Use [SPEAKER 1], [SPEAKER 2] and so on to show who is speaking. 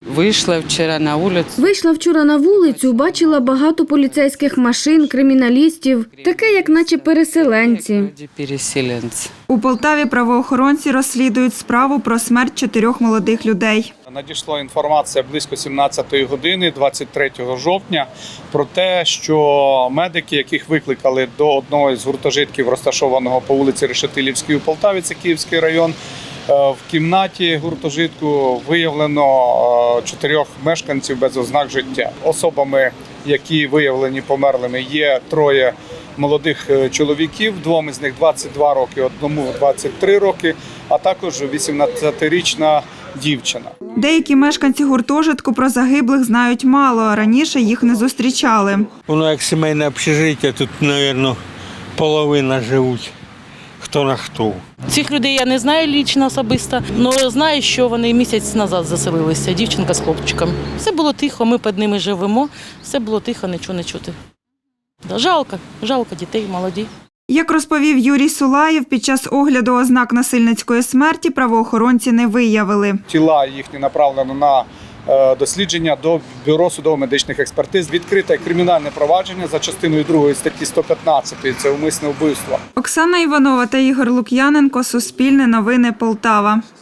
[SPEAKER 1] Вийшла вчора на вулицю, бачила багато поліцейських машин, криміналістів, таке, як наче переселенці.
[SPEAKER 2] У Полтаві правоохоронці розслідують справу про смерть 4 молодих людей.
[SPEAKER 3] Надійшла інформація близько 17-ї години 23 жовтня про те, що медики, яких викликали до одного з гуртожитків, розташованого по вулиці Решетилівській у Полтаві, це Київський район, в кімнаті гуртожитку виявлено 4 мешканців без ознак життя. Особами, які виявлені померлими, є 3 молодих чоловіків, 2 з них 22 роки, 1 23 роки, а також 18-річна дівчина.
[SPEAKER 2] Деякі мешканці гуртожитку про загиблих знають мало, раніше їх не зустрічали.
[SPEAKER 4] Воно як сімейне общежиття, тут, мабуть, половина живуть. Хто на хто.
[SPEAKER 5] Цих людей я не знаю лічно особисто, але знаю, що вони місяць назад заселилися, дівчинка з хлопчиком. Все було тихо, ми під ними живемо, все було тихо, нічого не чути. Жалко дітей, молоді.
[SPEAKER 2] Як розповів Юрій Сулаєв, під час огляду ознак насильницької смерті правоохоронці не виявили.
[SPEAKER 3] Тіла їхні направлено на дослідження до Бюро судово-медичних експертиз. Відкрите кримінальне провадження за частиною 2 статті 115 – це умисне вбивство.
[SPEAKER 2] Оксана Іванова та Ігор Лук'яненко, Суспільне новини, Полтава.